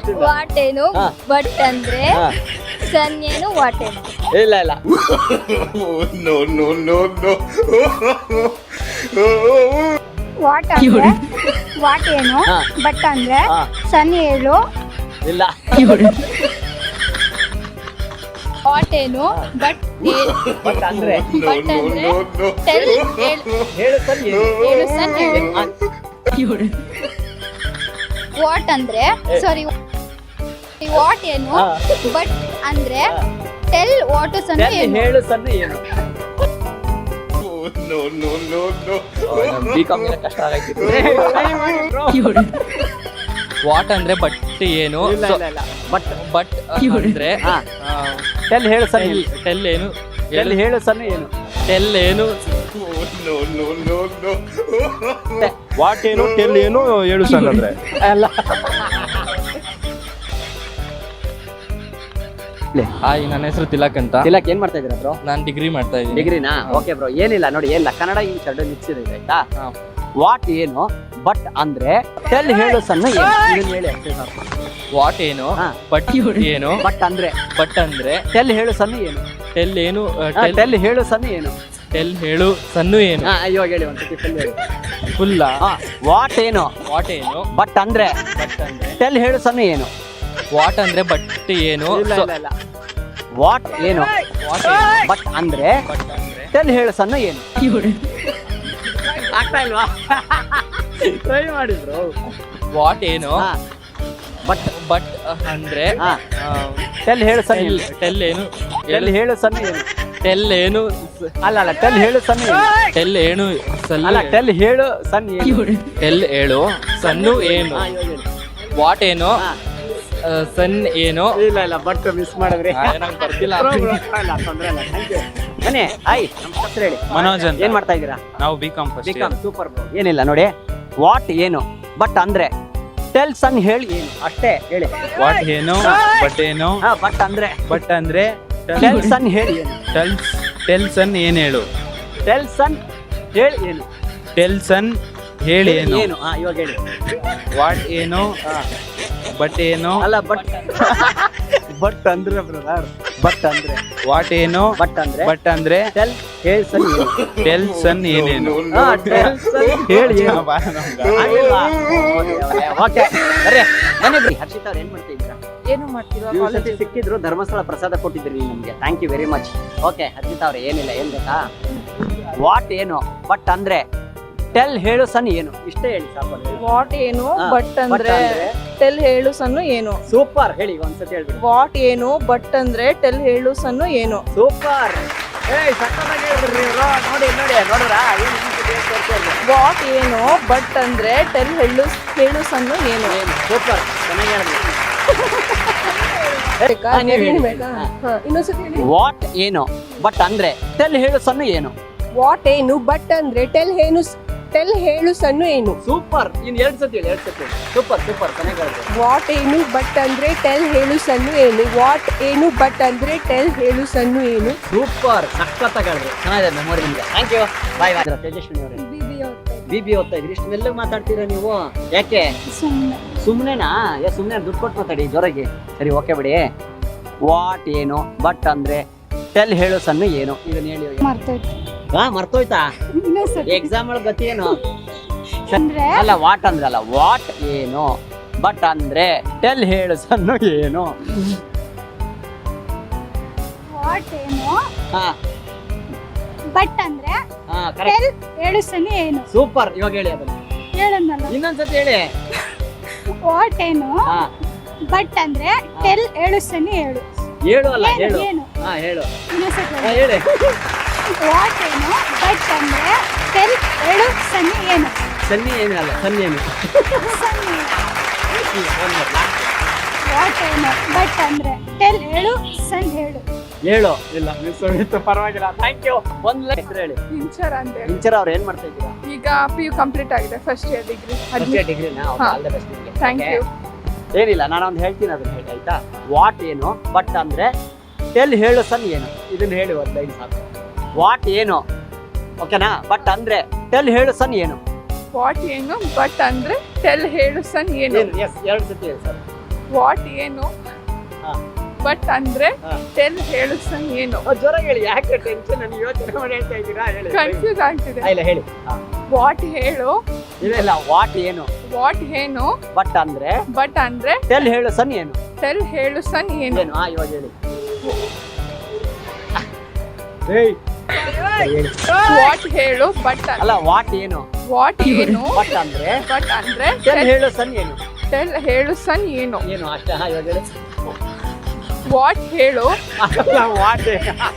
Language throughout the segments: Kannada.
ವಾಟ್ ಏನು ಬಟ್ ಅಂದ್ರೆ ಸನ್ ಏನು ವಾಟ್ ಏನು ಇಲ್ಲ ಇಲ್ಲ ವಾಟ್ ಅಂದ್ರೆ ವಾಟ್ ಏನು ಬಟ್ ಅಂದ್ರೆ ಸನ್ ಹೇಳು ಇಲ್ಲ ವಾಟ್ ಏನು ಬಟ್ ಬಟ್ ಅಂದ್ರೆ ಬಟ್ ಅಂದ್ರೆ ಟೆಲ್ ಹೇಳು ಸರ್ ಹೇಳು ಸನ್ ಹೇಳು ವಾಟ್ ಅಂದ್ರೆ ಸಾರಿ ವಾಟ್ ಏನು ಬಟ್ ಅಂದ್ರೆ ಟೆಲ್ ವಾಟ್ ಸನ್ ಏನು ಹೇಳು ಸರ್ ಏನು ಬಿಕಾಮ್ ಕಷ್ಟ ಆಗೈತಿ ವಾಟ್ ಅಂದ್ರೆ ಬಟ್ ಏನು ಬಟ್ ಬಟ್ ಅಂದ್ರೆ ಟೆಲ್ ಹೇಳು ಸರ್ ಟೆಲ್ ಏನು ಟೆಲ್ ಹೇಳು ಸರ್ ಏನು ಟೆಲ್ ಏನು ವಾಟ್ ಏನು ಟೆಲ್ ಏನು ಹೇಳು ಸರ್ ಅಂದ್ರೆ ಅಲ್ಲ ಹಾಯ್ ನನ್ನ ಹೆಸರು ತಿಲಕ್ ಅಂತ ತಿಲಕ್ ಏನ್ ಮಾಡ್ತಾ ಇದೀರಾ ಬ್ರೋ ನಾನು ಡಿಗ್ರಿ ಮಾಡ್ತಾ ಇದ್ದೀನಿ ಡಿಗ್ರಿನಾ ಓಕೆ ಬ್ರೋ ಏನಿಲ್ಲ ನೋಡಿ ಏನಿಲ್ಲ ಕನ್ನಡ ಇಂಗ್ಲಿಷ್ ಎರಡು ಮಿಕ್ಸ್ ಇದೆ ಆಯ್ತಾ ವಾಟ್ ಏನು ಬಟ್ ಅಂದ್ರೆ ಟೆಲ್ ಹೇಳು ಸಣ್ಣ ಏನು ಹೇಳಿ ಅಷ್ಟೇ ಸಾಕು ವಾಟ್ ಏನು ಬಟ್ ಏನು ಬಟ್ ಅಂದ್ರೆ ಬಟ್ ಅಂದ್ರೆ ಟೆಲ್ ಹೇಳು ಸಣ್ಣ ಏನು ಟೆಲ್ ಏನು ಟೆಲ್ ಹೇಳು ಸಣ್ಣ ಏನು ಟೆಲ್ ಹೇಳು ಸನ್ನು ಏನು ಅಯ್ಯೋ ಹೇಳಿ ಒಂದ್ಸತಿ ಟೆಲ್ ಹೇಳಿ ಫುಲ್ ವಾಟ್ ಏನು ವಾಟ್ ಏನು ಬಟ್ ಅಂದ್ರೆ ಬಟ್ ಅಂದ್ರೆ ಟೆಲ್ ಹೇಳು ಸಣ್ಣ ಏನು ವಾಟ್ ಅಂದ್ರೆ ಬಟ್ ಏನು ಇಲ್ಲ ವಾಟ್ ಏನು ಬಟ್ ಅಂದ್ರೆ ಬಟ್ ಅಂದ್ರೆ ಟೆಲ್ ಹೇಳು ಸಣ್ಣ ಏನು ಆಗ್ತಾ ಇಲ್ವಾ ಟ್ರೈ ಮಾಡಿದ್ರು ವಾಟ್ ಏನು ಬಟ್ ಬಟ್ ಅಂದ್ರೆ ಟೆಲ್ ಹೇಳು ಸಣ್ಣ ಏನು ಟೆಲ್ ಏನು ಟೆಲ್ ಹೇಳು ಸಣ್ಣ ಏನು ಟೆಲ್ ಏನು ಅಲ್ಲ ಟೆಲ್ ಹೇಳು ಸಣ್ಣ ಏನು ಟೆಲ್ ಏನು ಅಲ್ಲ ಟೆಲ್ ಹೇಳು ಸಣ್ಣ ಏನು ಟೆಲ್ ಹೇಳು ಸನ್ನು ಏನು ವಾಟ್ ಏನು ಸನ್ ಏನು ಇಲ್ಲ ಬಟ್ ಮಿಸ್ ಮಾಡಿದ್ರಿ ನಂಗೆ ಬರ್ತಿಲ್ಲ ತೊಂದ್ರೆ ಇಲ್ಲ ಥ್ಯಾಂಕ್ ಯು ಬನ್ನಿ ಹಾಯ್ ನಮ್ಮ ಹೆಸರು ಹೇಳಿ ಮನೋಜ್ ಅಂತ ಏನ್ ಮಾಡ್ತಾ ಇದ್ದೀರಾ ನಾವು BCom first BCom super bro ಏನಿಲ್ಲ ನೋಡಿ ವಾಟ್ ಏನು ಬಟ್ ಅಂದ್ರೆ ಟೆಲ್ ಸನ್ ಹೇಳಿ ಏನು ಅಷ್ಟೇ ಹೇಳಿ ವಾಟ್ ಏನು ಬಟ್ ಏನು ಬಟ್ ಅಂದ್ರೆ ಬಟ್ ಅಂದ್ರೆ ಟೆಲ್ ಸನ್ ಹೇಳಿ ಏನು ಟೆಲ್ ಸನ್ ಏನ್ ಹೇಳು ಟೆಲ್ ಸನ್ ಹೇಳಿ ಏನು ಟೆಲ್ ಸನ್ ಹೇಳಿ ಏನು ಏನು ಇವಾಗ ಹೇಳಿ ವಾಟ್ ಏನು ಬಟ್ ಏನು ಅಲ್ಲ ಬಟ್ ಅಂದ್ರೆ ಬ್ರದರ್ ಬಟ್ ಅಂದ್ರೆ ವಾಟ್ ಏನು ಬಟ್ ಅಂದ್ರೆ ಬಟ್ ಅಂದ್ರೆ ಟೆಲ್ ಹೇಳಿ ಸನ್ ಏನು ಟೆಲ್ ಸನ್ ಏನೇನು ಟೆಲ್ ಸನ್ ಹೇಳಿ ಏನು ಓಕೆ ಅರೆ ಮನೆ ಬಿಡಿ ಹರ್ಷಿತಾ ಅವ್ರು ಏನ್ ಮಾಡ್ತಾ ಇದ್ದೀರಾ ಏನು ಮಾಡ್ತೀರಾ ನೀವು ಸತಿ ಸಿಕ್ಕಿದ್ರು ಧರ್ಮಸ್ಥಳ ಪ್ರಸಾದ ಕೊಟ್ಟಿದ್ರಿ ನಮ್ಗೆ thank you very much okay Harshita ಅವ್ರೆ ಏನಿಲ್ಲ ಏನ್ ಗೊತ್ತಾ ವಾಟ್ ಏನು ಬಟ್ ಅಂದ್ರೆ ಟೆಲ್ ಹೇಳು ಸನ್ ಏನು ಇಷ್ಟೇ ಹೇಳಿ ಸಾಕು ವಾಟ್ ಏನು ಬಟ್ ಅಂದ್ರೆ ಟೆಲ್ ಹೇಳು ಸನ್ನು ಏನು ಸೂಪರ್ ಹೇಳಿ ಒಂದ್ಸತಿ ಹೇಳ್ಬಿಡಿ ವಾಟ್ ಏನು ಬಟ್ ಅಂದ್ರೆ ಟೆಲ್ ಹೇಳು ಸನ್ನು ಏನು ಸೂಪರ್ ಸಕ್ಕತ್ತಾಗಿ ಹೇಳಿದ್ರಿ ಇವ್ರು. ನೋಡಿ ನೋಡಿದ್ರಾ ವಾಟ್ ಏನು ಬಟ್ ಅಂದ್ರೆ ಟೆಲ್ ಹೇಳು ಸನ್ನು ಏನು ಸೂಪರ್ ಚೆನ್ನಾಗಿ ಹೇಳಿದ್ರಿ ಇನ್ನೊಂದ್ಸತಿ ಹೇಳಿ ವಾಟ್ ಏನು ಬಟ್ ಅಂದ್ರೆ ಟೆಲ್ ಹೇಳು ಸಣ್ಣ ಏನು ವಾಟ್ ಏನು ಬಟ್ ಅಂದ್ರೆ ಟೆಲ್ ಹೇಳು ಸನ್ನು ಏನು ಸೂಪರ್ ಇನ್ ಎರಡ್ ಸತಿ ಸೂಪರ್ ಚೆನ್ನಾಗಿ ಹೇಳಿದ್ರಿ ವಾಟ್ ಏನು ಬಟ್ ಅಂದ್ರೆ ಟೆಲ್ ಹೇಳು ಸನ್ನು ಏನು ವಾಟ್ ಏನು ಬಟ್ ಅಂದ್ರೆ ಟೆಲ್ ಹೇಳು ಸನ್ನು ಏನು ಸೂಪರ್ ಸಕ್ಕತ್ತಾಗಿ ಹೇಳಿದ್ರಿ ಚೆನ್ನಾಗಿದೆ ಮೆಮೊರಿ ನಿಮ್ಗೆ ಥ್ಯಾಂಕ್ ಯು ಬಾಯ್ ತೇಜಸ್ವಿನಿ ಅವರೇ ಬಿಬಿ ಓದ್ತಾ ಇದ್ರಿ ಇಷ್ಟು ಮೆಲ್ಲಗೆ ಮಾತಾಡ್ತೀರಾ ನೀವು ಯಾಕೆ ಸುಮ್ಮನೆನಾ ಸುಮ್ಮನೆ ದುಡ್ಡು ಕೊಟ್ಟು ಮಾತಾಡಿ ಜೋರಾಗಿ ಸರಿ ಓಕೆ ಬಿಡಿ ವಾಟ್ ಏನು ಬಟ್ ಅಂದ್ರೆ ಟೆಲ್ ಹೇಳು ಸಣ್ಣ ಏನು ಇದನ್ನ ಹೇಳಿ ಮರ್ತೋಯ್ತಾ ಎಕ್ಸಾಮ್ ಒಳಗೆ ಗತಿ ಏನು ಅಲ್ಲ ವಾಟ್ ಅಂದ್ರಲ್ಲ ವಾಟ್ ಏನು ಬಟ್ ಅಂದ್ರೆ ಟೆಲ್ ಹೇಳು ಸಣ್ಣ ಏನು ವಾಟ್ ಏನು ಹಾ ಬಟ್ ಅಂದ್ರೆ ಕರೆಕ್ಟ್ ಹೇಳು ಸನ್ ಏನು ಸೂಪರ್ ಇವಾಗ ಹೇಳಿ ಅದನ್ನ ಹೇಳನ್ನಲ್ಲ ಇನ್ನೊಂದ್ಸತಿ ಹೇಳಿ ವಾಟ್ ಏನು ಬಟ್ ಅಂದ್ರೆ ಟೆಲ್ ಹೇಳು ಸನ್ ಹೇಳು ಹೇಳು ಅಲ್ಲ ಹೇಳು ಏನು ಹೇಳು ಇನ್ನೊಂದ್ಸತಿ ಹೇಳಿ ವಾಟ್ ಏನು ಬಟ್ ಅಂದ್ರೆ ಟೆಲ್ ಹೇಳು ಸನ್ ಏನು ಸನ್ನಿ ಏನು ಅಲ್ಲ ಸನ್ನಿ ಏನು ವಾಟ್ ಏನು ಬಟ್ ಅಂದ್ರೆ ಟೆಲ್ ಹೇಳು ಸನ್ ಹೇಳು ಹೇಳು ಇಲ್ಲ ಮಿಸ್ ಹೋಗಿತ್ತು ಪರವಾಗಿಲ್ಲ ಥ್ಯಾಂಕ್ ಯು ಒಂದ್ ಹೆಸರು ಹೇಳಿ ಇಂಚರ್ ಅಂತ ಹೇಳಿ ಇಂಚರ ಅವ್ರು ಏನ್ ಮಾಡ್ತಾ ಇದ್ದೀರಾ ಈಗ PU ಕಂಪ್ಲೀಟ್ ಆಗಿದೆ ಫಸ್ಟ್ ಇಯರ್ ಡಿಗ್ರಿನಾ ಆಲ್ ದ ಬೆಸ್ಟ್ ನಿಮಗೆ ಥ್ಯಾಂಕ್ ಯು ಏನಿಲ್ಲ ನಾನೊಂದು ಹೇಳ್ತೀನಿ ಅದನ್ನ ಹೇಳಿ ಆಯ್ತಾ ವಾಟ್ ಏನು ಬಟ್ ಅಂದ್ರೆ ಟೆಲ್ ಹೇಳು ಸನ್ ಏನು ಇದನ್ನ ಹೇಳಿ ಒಂದು ಲೈನ್ ಸಾಕು ವಾಟ್ ಏನು ಓಕೆನಾ ಬಟ್ ಅಂದ್ರೆ ಟೆಲ್ ಹೇಳು ಸನ್ ಏನು ವಾಟ್ ಏನು ಬಟ್ ಅಂದ್ರೆ ಟೆಲ್ ಹೇಳು ಸನ್ ಏನು ಎಸ್ ಎರಡು ಸತಿ ಹೇಳಿ ಸರ್ ವಾಟ್ ಏನು ಹಾ. ಬಟ್ ಅಂದ್ರೆ ಹಾ. ಟೆಲ್ ಹೇಳು ಸನ್ ಏನು ಜ್ವರ ಹೇಳಿ, ಯಾಕೆ ಟೆನ್ಷನ್? ನಾನು ಯೋಚನೆ ಮಾಡಿ ಹೇಳ್ತಾ ಇದ್ದೀರಾ? ಹೇಳಿ. ಕನ್ಫ್ಯೂಸ್ ಆಗ್ತಿದೆ. ಇಲ್ಲ ಹೇಳಿ. ವಾಟ್ ಹೇಳು, ಇಲ್ಲ ವಾಟ್ ಏನು, ವಾಟ್ ಏನು ಬಟ್ ಅಂದ್ರೆ ಬಟ್ ಅಂದ್ರೆ ಟೆಲ್ ಹೇಳು ಸನ್ ಏನು. ಟೆಲ್ ಹೇಳು ಸನ್ ಏನು. ಏನು? ಇವಾಗ ಹೇಳಿ. ಹೇಳಿ. ವಾಟ್ ಹೇಳು ಬಟ್ ಅಲ್ಲ ವಾಟ್ ಏನು, ವಾಟ್ ಏನು ಬಟ್ ಅಂದ್ರೆ ಬಟ್ ಅಂದ್ರೆ ಟೆಲ್ ಹೇಳು ಸನ್ ಏನು. ಟೆಲ್ ಹೇಳು ಸನ್ ಏನು. ಏನು ಅಷ್ಟೇ? ಇವಾಗ ಹೇಳಿ. ವಾಟ್ ಹೇಳು ಅಲ್ಲ ವಾಟ್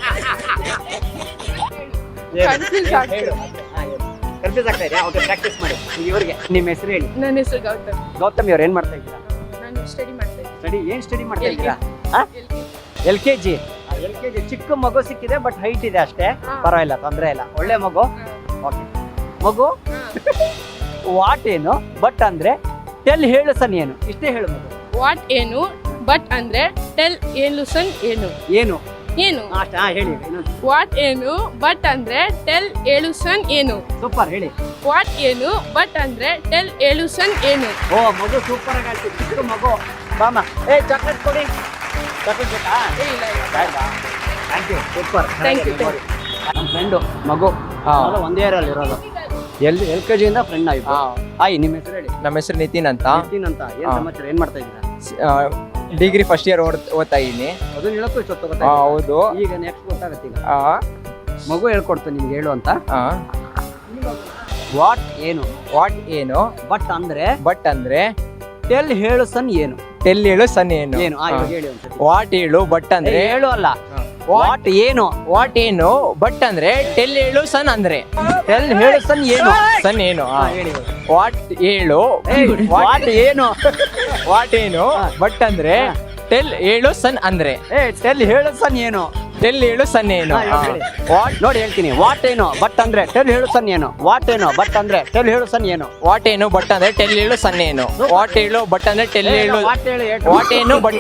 Confuse ಆಗ್ತಿದೆ. ಹೇಳು. ಕನ್ಫ್ಯೂಸ್ ಆಗ್ತಾ ಇದೆಯಾ? ಓಕೆ, ಪ್ರಾಕ್ಟೀಸ್ ಮಾಡಿ. ಈಗ ಇವ್ರಿಗೆ ನಿಮ್ಮ ಹೆಸರು ಹೇಳಿ. ನನ್ನ ಹೆಸರು ಗೌತಮ್. ಗೌತಮಿ ಅವ್ರು ಏನ್ ಮಾಡ್ತಾ ಇದ್ದೀರಾ? ನಾನು ಸ್ಟಡಿ ಮಾಡ್ತಾ ಇದ್ದೀನಿ. ಸ್ಟಡಿ ಏನ್ ಸ್ಟಡಿ ಮಾಡ್ತಾ ಇದ್ದೀರಾ? LKG. LKG ಚಿಕ್ಕ ಮಗು ಸಿಕ್ಕಿದೆ, ಬಟ್ ಹೈಟ್ ಇದೆ ಅಷ್ಟೇ. ಹಾ. ಪರವಾಗಿಲ್ಲ, ತೊಂದರೆ ಇಲ್ಲ, ಒಳ್ಳೆ ಮಗು. ಓಕೆ, ಮಗು ವಾಟ್ ಏನು, ಬಟ್ ಅಂದ್ರೆ ಟೆಲ್ ಹೇಳು ಸನ್ ಏನು. ಇಷ್ಟೇ ಹೇಳು ಮಗು. ವಾಟ್ ಏನು ಬಟ್ ಅಂದ್ರೆ ಟೆಲ್ ಏನು ಸನ್ ಏನು. ಏನು ಏನು ಅಷ್ಟೇ. ಹೇಳಿ ಇನ್ನೊಂದು. ವಾಟ್ ಏನು ಬಟ್ ಅಂದ್ರೆ ಟೆಲ್ ಏಳು ಸನ್ ಏನು. ಸೂಪರ್, ಹೇಳಿ. ವಾಟ್ ಏನು ಬಟ್ ಅಂದ್ರೆ ಟೆಲ್ ಏಳು ಸನ್ ಏನು. ಓ ಮಗು ಸೂಪರ್ ಆಗಿ ಆಡ್ತೀವಿ, ಚಿಕ್ಕ ಮಗು. ಬಾಮ, ಚಾಕ್ಲೇಟ್ ಕೊಡಿ. ಚಾಕ್ಲೇಟ್ ಬೇಕಾ? ಬೇಡವಾ? Thank you, super. Thank you. ನಮ್ಮ ಫ್ರೆಂಡು ಮಗು ಅವ್ರು ಒಂದೇ ಇಯರಲ್ಲಿ ಇರೋದು. LKG ಇಂದ ಫ್ರೆಂಡ್ ಆಯ್ತು. ಹಾಯ್, ನಿಮ್ಮ ಹೆಸರು ಹೇಳಿ. ನಮ್ಮ ಹೆಸರು ನಿತಿನ್ ಅಂತ. ನಿತಿನ್ ಅಂತ. ಏನ್ ಹಾ. ಸಮಾಚಾರ? ಏನ್ ಮಾಡ್ತಾ ಇದ್ದೀರಾ? ಡಿಗ್ರಿ ಫಸ್ಟ್ ಇಯರ್ ಓದ್ತಾ ಇದ್ದೀನಿ. ಅದನ್ನ ಹೇಳಕ್ಕೂ ಇಷ್ಟೊತ್ತು ಹಾ, ಗೊತ್ತಾಯ್ತು. ಹೌದು. ಈಗ ನೆಕ್ಸ್ಟ್ ಗೊತ್ತಾಗತ್ತೆ. ಈಗ ಆ, ಮಗು ಹೇಳ್ಕೊಡ್ತು ನಿಮ್ಗೆ ಹೇಳು ಅಂತ. ಆ. ವಾಟ್ ಏನು, ವಾಟ್ ಏನು ಬಟ್ ಅಂದ್ರೆ ಬಟ್ ಅಂದ್ರೆ ಟೆಲ್ ಹೇಳು ಸನ್ ಏನು. ಟೆಲ್ ಹೇಳು ಸನ್ ಏನು. ಏನು? ಇವಾಗ ಹೇಳಿ ಒಂದ್ಸತಿ. ವಾಟ್ ಹೇಳು ಬಟ್ ಅಂದ್ರೆ ಹೇಳು ಅಲ್ಲ, ವಾಟ್ ಏನು. ವಾಟ್ ಏನು ಬಟ್ ಅಂದ್ರೆ ಟೆಲ್ ಹೇಳು ಸನ್ ಅಂದ್ರೆ ಟೆಲ್ ಹೇಳು ಸನ್ ಏನು. ಸನ್ ಏನು. ಹಾ, ಹೇಳಿ. ವಾಟ್ ಹೇಳು ವಾಟ್ ಏನು. ವಾಟ್ ಏನು ಬಟ್ ಅಂದ್ರೆ ಹಾ. ಟೆಲ್ ಹೇಳು ಸನ್ ಅಂದ್ರೆ ಟೆಲ್ ಹೇಳು ಸನ್ ಏನು. ಟೆಲ್ ಹೇಳು ಸನ್ ಏನು. ಹಾ, ಇವಾಗ ಹೇಳಿ. ನೋಡಿ ಹೇಳ್ತೀನಿ. ವಾಟ್ ಏನು ಬಟ್ ಅಂದ್ರೆ ಟೆಲ್ ಹೇಳು ಸನ್ ಏನು. ವಾಟ್ ಏನು ಬಟ್ ಅಂದ್ರೆ ಟೆಲ್ ಹೇಳು ಸನ್ ಏನು. ವಾಟ್ ಏನು ಬಟ್ ಅಂದ್ರೆ ಟೆಲ್ ಹೇಳು ಸನ್ ಏನು. ವಾಟ್ ಹೇಳು ಬಟ್ ಅಂದ್ರೆ ಟೆಲ್ ಹೇಳು. ವಾಟ್ ಹೇಳಿ. ವಾಟ್ ಏನು ಬಟ್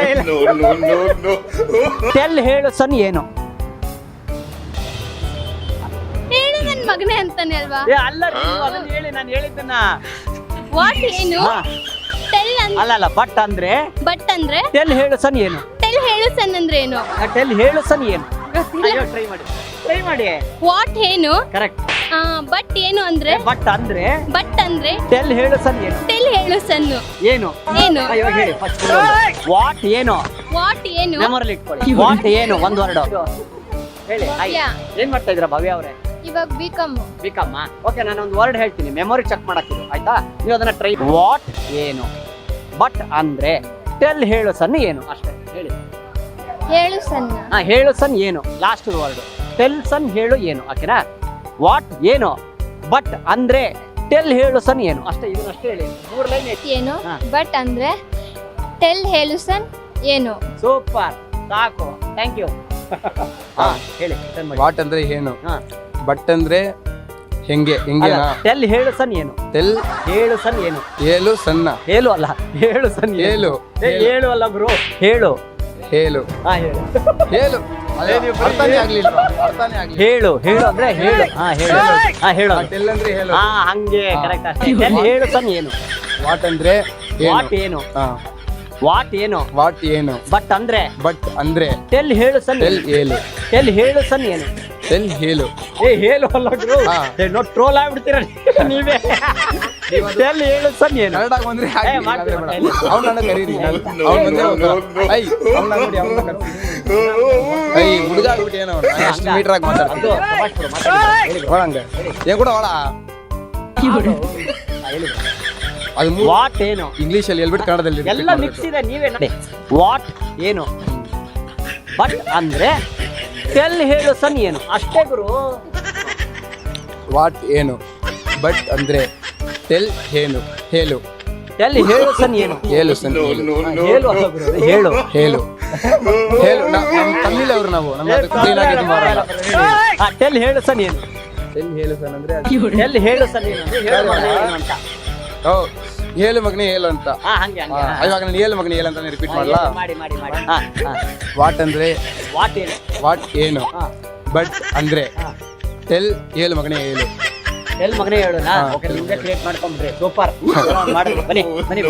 ಟೆಲ್ ಹೇಳು ಸನ್ ಏನು. ಹೇಳು ನನ್ನ ಮಗನೇ ಅಂತಾನೆ ಅಲ್ವಾ. ಅಲ್ಲ, ನೀವು ಅದನ್ನ ಹೇಳಿ, ನಾನು ಹೇಳಿದ್ದನ್ನ. ವಾಟ್ ಏನು ಹಾ. ಟೆಲ್ ಅಲ್ಲ ಬಟ್ ಅಂದ್ರೆ ಬಟ್ ಅಂದ್ರೆ ಟೆಲ್ ಹೇಳು ಸನ್ ಏನು. ಟೆಲ್ ಹೇಳು ಸನ್ ಅಂದ್ರೆ ಏನು. ಟೆಲ್ ಹೇಳು ಸನ್ ಏನು. ಗೊತ್ತಿಲ್ಲ. ಟ್ರೈ ಮಾಡಿ. ವಾಟ್ ಏನು ಕರೆಕ್ಟ್. ಬಟ್ ಏನು ಅಂದ್ರೆ ಬಟ್ ಅಂದ್ರೆ ಬಟ್ ಅಂದ್ರೆ ಟೆಲ್ ಹೇಳು ಸನ್ ಏನು. ಟೆಲ್ ಹೇಳು ಸನ್ನು ಏನು. ಏನು. ಇವಾಗ ಹೇಳಿ ಫಸ್ಟ್. ವಾಟ್ ಏನು. ವಾಟ್ ಏನು ಮೆಮೊರಿಲಿ ಇಟ್ಕೊಳ್ಳಿ. ವಾಟ್ ಏನು ಒಂದ್ ವರ್ಡ್ ಹೇಳಿ. ಹಾಯ್. ಭವ್ಯ. ಏನ್ ಮಾಡ್ತಾ ಇದ್ರ ಭವ್ಯ ಅವರೇ? ಇವಾಗ ಬಿಕಮ್ ಬಿಕಮ್ಮ. ಓಕೆ, ನಾನು ಒಂದು ವರ್ಡ್ ಹೇಳ್ತೀನಿ, ಮೆಮೊರಿ ಚೆಕ್ ಮಾಡಕ್ಕಿದು, ಆಯ್ತಾ? ನೀವು ಅದನ್ನ ಟ್ರೈ. ವಾಟ್ ಏನು ಬಟ್ ಅಂದ್ರೆ ಟೆಲ್ ಹೇಳು ಸನ್ ಏನು. ಅಷ್ಟೇ ಹೇಳಿ. ಹೇಳು ಸಣ್ಣ ಹೇಳು ಸನ್ ಏನು. ಲಾಸ್ಟ್ ವರ್ಡ್ ಟೆಲ್ ಸನ್ ಹೇಳು ಏನು. ಓಕೆನಾ? ವಾಟ್ ಏನು ಬಟ್ ಅಂದ್ರೆ ಟೆಲ್ ಹೇಳು ಸನ್ ಏನು. ಅಷ್ಟೇ, ಇದನ್ನ ಅಷ್ಟೇ ಹೇಳಿ. 3 ಲೈನ್. ಏನು ಹಾ. ಬಟ್ ಅಂದ್ರೆ ಟೆಲ್ ಹೇಳು ಸನ್ ಏನು. ಸೂಪರ್, ಸಾಕು, ಥ್ಯಾಂಕ್ ಯು. ಹೇಳಿ. ವಾಟ್ ಅಂದ್ರೆ ಏನು, ಹಾ. ಬಟ್ ಅಂದ್ರೆ ಹೆಂಗೆ ಹೆಂಗೆನಾ. ಟೆಲ್ ಹೇಳು ಸನ್ ಏನು. ಟೆಲ್ ಹೇಳು ಸನ್ ಏನು. ಏಳು ಸಣ್ಣ ಹೇಳು ಅಲ್ಲ, ಹೇಳು ಸನ್ ಏನು. ಹೇಳು ಹೇಳು ಅಲ್ಲ ಬ್ರೋ, ಹೇಳು. ಹೇಳು ಹೇಳು. ಹೇಳು ಅದೇ ನೀವು ಅರ್ಥನೇ ಆಗ್ಲಿಲ್ವಾ? ಅರ್ಥನೇ ಆಗ್ಲಿಲ್ಲ. ಹೇಳು ಹೇಳು ಅಂದ್ರೆ ಹೇಳು. ಹೇಳು. ಟೆಲ್ ಅಂದ್ರೆ ಹೇಳು. ಹಂಗೆ ಕರೆಕ್ಟ್. ಅಷ್ಟೇ. ಟೆಲ್ ಹೇಳು ಸನ್ ಏನು. ವಾಟ್ ಅಂದ್ರೆ ವಾಟ್ ಏನು. ವಾಟ್ ಏನು ವಾಟ್ ಏನು ಬಟ್ ಅಂದ್ರೆ ಬಟ್ ಅಂದ್ರೆ ಟೆಲ್ ಹೇಳು ಸನ್. ಟೆಲ್ ಹೇಳು. ಟೆಲ್ ಹೇಳು ಸನ್ ಏನು. ಟೆಲ್ ಹೇಳು. ಹೇಳು ಅಲ್ಲ ಗುರು. ಹಾ. ನೋಡಿ ಟ್ರೋಲ್ ಆಗ್ಬಿಡ್ತೀರ ನೀವೇ. ಟೆಲ್ ಹೇಳು ಸನ್ ಏನು. ಕನ್ನಡ ಬಂದ್ರೆ ಹಾಗೆ ಮಾಡ್ತೀನಿ, ಬೇಡ. ಮಾಡ್ತೀನಿ. ಅವ್ನನ್ನ ಕರೀರಿ. ಅವ್ನ ಬಂದ್ರೆ ಐ ಅವ್ನ ನೋಡಿ ಅವ್ನ ಕರೀರಿ. ಐ ಹುಡುಗ ಆಗ್ಬಿಟ್ಟು ಏನೋ ಎಷ್ಟು ಮೀಟರ್ ಆಗಿ ಮಾತಾಡ್ತೀನಿ. ಅದು ತಮಾಷೆ ಬಿಡು, ಮಾತಾಡಿ. ಹೇಳಿ bro. ಒಳಂಗೆ ಏನ್ ಕೂಡ ಒಳ ಹೇಳಿ. ಅದು ವಾಟ್ ಏನು. ಇಂಗ್ಲಿಷ್ ಅಲ್ಲಿ ಹೇಳ್ಬಿಟ್ಟು ಕನ್ನಡದಲ್ಲಿ repeat ಎಲ್ಲ ಮಾಡ್ಬೇಕು. ಮಿಕ್ಸ್ ಇದೆ, ನೀವೇ ನೋಡಿ. ವಾಟ್ ಏನು ಬಟ್ ಅಂದ್ರೆ ಟೆಲ್ ಹೇಳು ಸನ್ ಏನು. ಅಷ್ಟೇ ಗುರು. ವಾಟ್ ಏನು ಬಟ್ ಅಂದ್ರೆ ಟೆಲ್ ಏನು ಹೇಳು. ಟೆಲ್ ಹೇಳು ಸನ್ ಏನು. ಹೇಳು ಸನ್ ಹೇಳು. ಹೇಳು ಅಲ್ಲ ಗುರು, ಹೇಳು. ಹೇಳು ಹೇಳು ನಮ್ಮ ತಮಿಳ್ ಅವರು ನಾವು ನಮ್ಮ ಕ್ಲೀನ್ ಆಗಿ ಇದು ಮಾಡಲ್ಲ. ಟೆಲ್ ಹೇಳು ಸನ್ ಏನು. ಟೆಲ್ ಹೇಳು ಸನ್ ಅಂದ್ರೆ ಟೆಲ್ ಹೇಳು ಸನ್ ಏನು ಅಂದ್ರೆ ಹೇಳು ಮಗನೇ ಏನು ಅಂತ. ಓ ಹೇಳು ಮಗನೇ ಹೇಳು ಅಂತ. ಹಂಗೆ ಆ, ಇವಾಗ ನಾನು ಹೇಳು ಮಗನೇ ಹೇಳು ಅಂತ ರಿಪೀಟ್ ಮಾಡಲಾ? ಮಾಡಿ. ವಾಟ್ ಅಂದ್ರೆ ವಾಟ್ ಏನು. ವಾಟ್ ಏನು ಹಾ. ಬಟ್ ಅಂದ್ರೆ ಹಾ. ಟೆಲ್ ಹೇಳು ಮಗನೇ ಹೇಳು. ಎಲ್ಲಿ ಮಗನೇ ಹೇಳೋಣ ಓಕೆ ನಿಮ್ಗೆ ಕ್ರಿಯೇಟ್ ಮಾಡ್ಕೊಂಡ್ರಿ ಸೂಪರ್ ಮಾಡಿ ಬನ್ನಿ ಬನ್ನಿ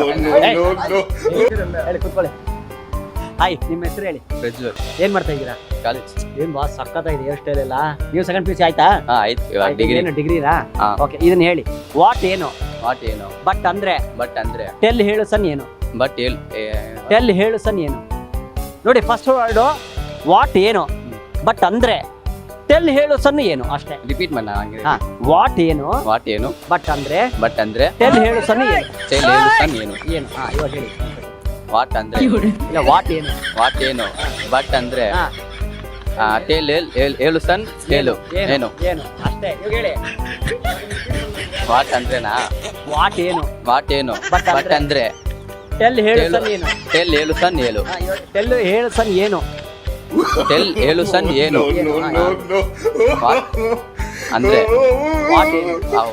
ಹೇಳಿ ಕೂತ್ಕೊಳ್ಳಿ ಹಾಯ್ ನಿಮ್ಮ ಹೆಸರು ಹೇಳಿ ಪ್ರಜ್ವಲ್ ಏನ್ ಮಾಡ್ತಾ ಇದ್ದೀರಾ ಕಾಲೇಜ್ ಏನ್ ಬಾಸ್ ಸಕ್ಕತ್ತಾಗಿದೆ ಹೇರ್ ಸ್ಟೈಲ್ ಎಲ್ಲ ನೀವು ಸೆಕೆಂಡ್ ಪಿ ಯು ಸಿ ಆಯ್ತಾ ಆಯ್ತು ಇವಾಗ ಡಿಗ್ರಿ ಏನು ಡಿಗ್ರಿರಾ ಹಾ. ಓಕೆ ಇದನ್ನ ಹೇಳಿ ವಾಟ್ ಏನು ವಾಟ್ ಏನು ಬಟ್ ಅಂದ್ರೆ ಬಟ್ ಅಂದ್ರೆ ಟೆಲ್ ಹೇಳು ಸನ್ ಏನು ಬಟ್ ಟೆಲ್ ಹೇಳು ಸನ್ ಏನು ನೋಡಿ ಫಸ್ಟ್ ವರ್ಡ್ ವಾಟ್ ಏನು ಬಟ್ ಅಂದ್ರೆ ಟೆಲ್ ಹೇಳು ಸನ್ ಏನು ಅಷ್ಟೇ ರಿಪೀಟ್ ಮಾಡ ಹಂಗೆ ಹಾ ವಾಟ್ ಏನು ವಾಟ್ ಏನು ಬಟ್ ಅಂದ್ರೆ ಬಟ್ ಅಂದ್ರೆ ಟೆಲ್ ಹೇಳು ಸನ್ ಏನು ಟೆಲ್ ಹೇಳು ಸನ್ ಏನು ಏನು ಹಾ ಇವಾಗ ಹೇಳಿ ವಾಟ್ ಅಂದ್ರೆ ಇಲ್ಲ ವಾಟ್ ಏನು ವಾಟ್ ಏನು ಬಟ್ ಅಂದ್ರೆ ಹಾ ಟೆಲ್ ಹೇಳು ಸನ್ ಹೇಳು ಏನು ಏನು ಅಷ್ಟೇ ಇವಾಗ ಹೇಳಿ ವಾಟ್ ಅಂದ್ರೆನಾ ವಾಟ್ ಏನು ವಾಟ್ ಏನು But ಬಟ್ ಅಂದ್ರೆ ಟೆಲ್ ಹೇಳು ಸನ್ ಏನು ಟೆಲ್ ಹೇಳು ಸನ್ ಹೇಳು ಟೆಲ್ ಹೇಳು ಸನ್ ಏನು ಟೆಲ್ ಹೇಳು ಸನ್ ಏನು What? ಅಂದ್ರೆ ವಾಟ್ ಏನು ಅವು.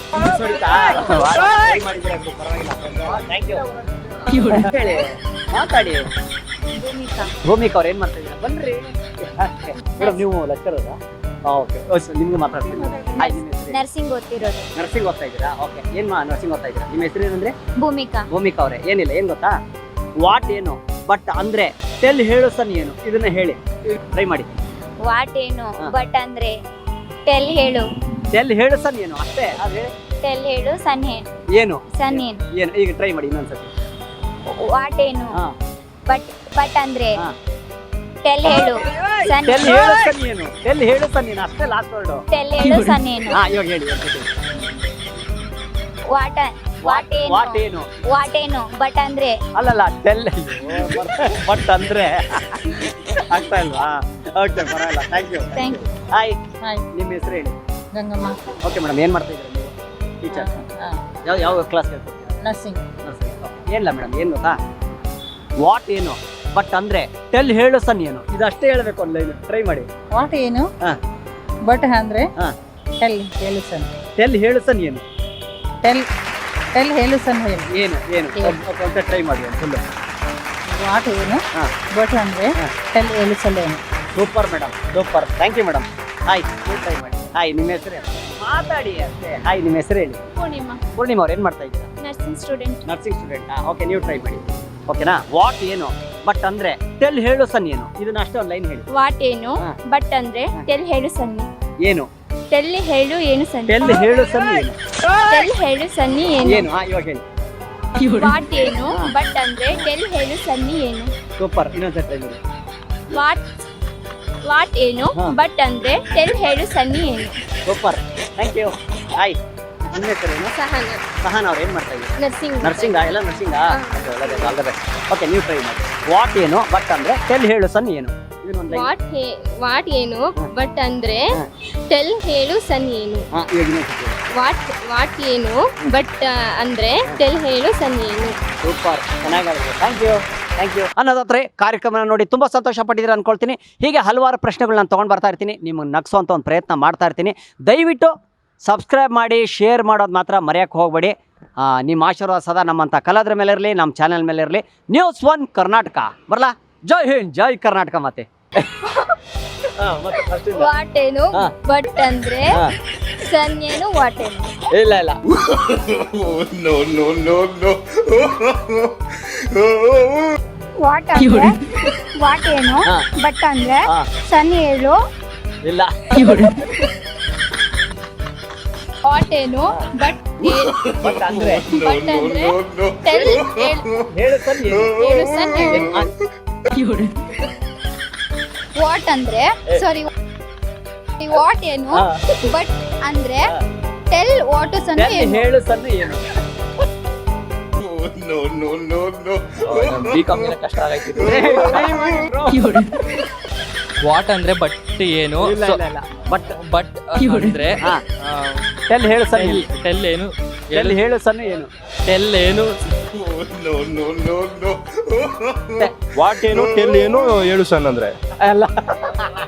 ಹೇಳಿ ಮಾತಾಡಿ ಭೂಮಿಕಾ ಅವ್ರು ಏನ್ ಮಾಡ್ತಾ ಇದ್ದೀರಾ ಬನ್ರಿ ಮೇಡಮ್ ನೀವು ಲೆಕ್ಚರ್ ಓಕೆ ನಿಮ್ಗೆ ಮಾತಾಡ್ತೀನಿ ಹಾಯ್ ನಿಮ್ಮ ಹೆಸರು ನರ್ಸಿಂಗ್ ಓದ್ತಿರೋದು ನರ್ಸಿಂಗ್ ಓದ್ತಾ ಇದ್ದೀರಾ ಓಕೆ ಏನ್ ನರ್ಸಿಂಗ್ ಓದ್ತಾ ಇದ್ದೀರಾ ನಿಮ್ಮ ಹೆಸರು ಏನಂದ್ರೆ ಭೂಮಿಕಾ ಭೂಮಿಕಾ ಅವರೇ ಏನಿಲ್ಲ ಏನ್ ಗೊತ್ತಾ ವಾಟ್ ಏನು ಬಟ್ ಅಂದ್ರೆ ಟೆಲ್ ಹೇಳು ಸನ್ ಏನು ಇದನ್ನ ಹೇಳಿ ಟ್ರೈ ಮಾಡಿ ವಾಟ್ ಏನು ಹಾ. ಬಟ್ ಅಂದ್ರೆ ಟೆಲ್ ಹೇಳು ಟೆಲ್ ಹೇಳು ಸನ್ ಏನು ಅಷ್ಟೇ ಅದೇ ಟೆಲ್ ಹೇಳು ಸನ್ ಏನು ಸನ್ ಏನು ಏನು ಈಗ ಟ್ರೈ ಮಾಡಿ ಇನ್ನೊಂದ್ಸತಿ ವಾಟ್ ಏನು ಹಾ ಬಟ್ ಅಂದ್ರೆ ಹಾ. ಟೆಲ್ ಹೇಳು ಸನ್ ಟೆಲ್ ಹೇಳು ಸನ್ ಏನು ಟೆಲ್ ಹೇಳು ಸನ್ ಏನು ಅಷ್ಟೇ ಲಾಸ್ಟ್ ವರ್ಡ್ ಟೆಲ್ ಹೇಳು ಸನ್ ಏನು ಹಾ ಇವಾಗ ಹೇಳಿ ವಾಟ್ ವಾಟ್ ವಾಟ್ ಏನು ಏನು ವಾಟ್ ಏನು ಬಟ್ ಅಂದ್ರೆ ಅಲ್ಲಲ್ಲ ಟೆಲ್ ಬಟ್ ಅಂದ್ರೆ ಆಗ್ತಾ ಇಲ್ವಾ ಓಕೆ ಪರವಾಗಿಲ್ಲ thank you thank you hi hi ನಿಮ್ಮ ಹೆಸರು ಹೇಳಿ ಗಂಗಮ್ಮ ಓಕೆ ಮೇಡಮ್ ಏನು ಮಾಡ್ತಾ ಇದ್ದೀರಾ ನೀವು ಟೀಚರ್ ಯಾವ ಕ್ಲಾಸ್ ಹೇಳ್ಕೊಡ್ತೀರಾ ನರ್ಸಿಂಗ್ ಏನಿಲ್ಲ ಮೇಡಮ್ ಏನು ಗೊತ್ತಾ ವಾಟ್ ಏನು ಬಟ್ ಅಂದ್ರೆ ಟೆಲ್ ಹೇಳು ಸನ್ ಏನು ಇದಷ್ಟೇ ಹೇಳ್ಬೇಕು ಒಂದು ಲೈನ್ ಟ್ರೈ ಮಾಡಿ ವಾಟ್ ಏನು ಹಾ. ಬಟ್ ಅಂದ್ರೆ ಹಾ. ಟೆಲ್ ಹೇಳು ಸನ್ ಟೆಲ್ ಹೇಳು ಸನ್ ಏನು ಟೆಲ್ ಟೆಲ್ ಹೇಳು ಸನ್ ಹೇಳು ಏನು ಏನು ಅಂತ ಟ್ರೈ ಮಾಡಿ ಒಂದು ಫುಲ್ಲು ವಾಟ್ ಏನು ಹಾ. ಬಟ್ ಅಂದ್ರೆ ಹಾ. ಟೆಲ್ ಹೇಳು ಸನ್ ಏನು super madam super thank you madam hi ನೀವು ಟ್ರೈ ಮಾಡಿ ಹಾಯ್ ನಿಮ್ಮ ಹೆಸರು ಹೇಳಿ ಮಾತಾಡಿ ಅಷ್ಟೇ ಹಾಯ್ ನಿಮ್ಮ ಹೆಸರು ಹೇಳಿ ಪೂರ್ಣಿಮಾ ಪೂರ್ಣಿಮಾ ಅವ್ರು ಏನು ಮಾಡ್ತಾ ಇದ್ದೀರಾ ನರ್ಸಿಂಗ್ ಸ್ಟೂಡೆಂಟ್ ನರ್ಸಿಂಗ್ ಸ್ಟೂಡೆಂಟಾ ಓಕೆ ನೀವು ಟ್ರೈ ಮಾಡಿ ಓಕೆನಾ ವಾಟ್ ಏನು ಬಟ್ ಅಂದ್ರೆ ಟೆಲ್ ಹೇಳು ಸನ್ ಏನು ಇದನ್ನ ಅಷ್ಟೇ ಒಂದು ಲೈನ್ ಹೇಳಿ ವಾಟ್ ಏನು ಹಾ. ಬಟ್ ಅಂದ್ರೆ ಟೆಲ್ ಹೇಳು ಸನ್ ಏನು ಟೆಲ್ ಹೇಳು ಏನು ಸನ್ ಟೆಲ್ ಹೇಳು ಸನ್ ಏನು ಟೆಲ್ ಹೇಳು ಸನ್ನಿ ಏನು ಏನು ಹಾ ಇವಾಗ ಹೇಳಿ ವಾಟ್ ಏನು ಬಟ್ ಅಂದ್ರೆ ಟೆಲ್ ಹೇಳು ಸನ್ನಿ ಏನು ಸೂಪರ್ ಇನ್ನೊಂದ್ಸರಿ ಟ್ರೈ ಮಾಡಿ ವಾಟ್ ಏನು ಹಾ. ಬಟ್ ಅಂದ್ರೆ ಟೆಲ್ ಹೇಳು ಸನ್ನಿ ಏನು ಸೂಪರ್ ಥ್ಯಾಂಕ್ ಯು ಹಾಯ್ ನಿಮ್ಮ ಹೆಸರು ಏನು ಸಹನ ಸಹನ್ ಅವ್ರು ಏನು ಮಾಡ್ತಾ ಇದ್ದೀರಾ ನರ್ಸಿಂಗ್ ನರ್ಸಿಂಗಾ ಎಲ್ಲ ನರ್ಸಿಂಗಾ ಆಲ್ ದ ಬೆಸ್ಟ್ ಓಕೆ ನೀವು ಟ್ರೈ ಮಾಡಿ ವಾಟ್ ಏನು ಬಟ್ ಅಂದ್ರೆ ಟೆಲ್ ಹೇಳು ಸನ್ ಏನು ಇದನ್ನೊಂದು ಲೈನ್ ವಾಟ್ ಏನು ಹಾ. ಬಟ್ ಅಂದ್ರೆ ಹಾ. ಟೆಲ್ ಹೇಳು ಸನ್ ಏನು ಹಾಂ ಇವಾಗ ಇನ್ನೊಂದ್ಸತಿ ವಾಟ್ ಏನು ಬಟ್ ಅಂದ್ರೆ ಟೆಲ್ ಹೇಳು ಸನ್ ಏನು ಸೂಪರ್ ಚೆನ್ನಾಗಿದೆ ಥ್ಯಾಂಕ್ ಯು ಅನ್ನೋದಾದ್ರೆ ಕಾರ್ಯಕ್ರಮನ ನೋಡಿ ತುಂಬ ಸಂತೋಷ ಪಟ್ಟಿದ್ದೀರಾ ಅನ್ಕೊಳ್ತೀನಿ ಹೀಗೆ ಹಲವಾರು ಪ್ರಶ್ನೆಗಳನ್ನ ತೊಗೊಂಡು ಬರ್ತಾ ಇರ್ತೀನಿ ನಿಮಗೆ ನಗಿಸೋಂಥ ಒಂದು ಪ್ರಯತ್ನ ಮಾಡ್ತಾ ಇರ್ತೀನಿ ದಯವಿಟ್ಟು ಸಬ್ಸ್ಕ್ರೈಬ್ ಮಾಡಿ ಶೇರ್ ಮಾಡೋದು ಮಾತ್ರ ಮರೆಯೋಕ್ಕೆ ಹೋಗಬೇಡಿ ನಿಮ್ಮ ಆಶೀರ್ವಾದ ಸದಾ ನಮ್ಮಂಥ ಕಲಾದ್ರ ಮೇಲೆ ಇರಲಿ ನಮ್ಮ ಚಾನೆಲ್ ಮೇಲೆ ಇರಲಿ News1 ಕರ್ನಾಟಕ ಬರಲಾ ಜೈ ಹಿಂದ್ ಜೈ ಕರ್ನಾಟಕ ಮತ್ತೆ ವಾಟ್ ಏನು ಹಾ. ಬಟ್ ಅಂದ್ರೆ ಹಾ. ಸನ್ ಏನು ವಾಟ್ ಏನು ಇಲ್ಲ ವಾಟ್ ಅಂದ್ರೆ ವಾಟ್ ಏನು ಹಾ. ಬಟ್ ಅಂದ್ರೆ ಹಾ. ಸನ್ ಹೇಳು ಇಲ್ಲ ವಾಟ್ ಏನು ಬಟ್ ಬಟ್ ಅಂದ್ರೆ ಟೆಲ್ ಹೇಳು ಸನ್ ಏನು ಹೇಳು ಸನ್ ಏನು ಆ, ವಾಟ್ ಅಂದ್ರೆ ಸಾರಿ ವಾಟ್ ಏನು ಹಾ. ಬಟ್ ಅಂದ್ರೆ ಟೆಲ್ ವಾಟ್ ಸನ್ ಟೆಲ್ ಏನು ಹೇಳು ಸನ್ ಏನು ಬಿ ಕಾಮ್ ಕಷ್ಟ ಆಗೈತಿ ವಾಟ್ ಅಂದ್ರೆ ಬಟ್ ಏನು ಇಲ್ಲ ಇಲ್ಲ ಇಲ್ಲ ಬಟ್ ಬಟ್ ಅಂದ್ರೆ ಹಾ ಟೆಲ್ ಹೇಳು ಸನ್ ಏನು ಟೆಲ್ ಏನು ಟೆಲ್ ಹೇಳು ಸನ್ ಏನು ಟೆಲ್ ಏನು ವಾಟ್ ಏನು ಟೆಲ್ ಏನು ಹೇಳು ಸನ್ ಅಂದ್ರೆ ಅಲ್ಲ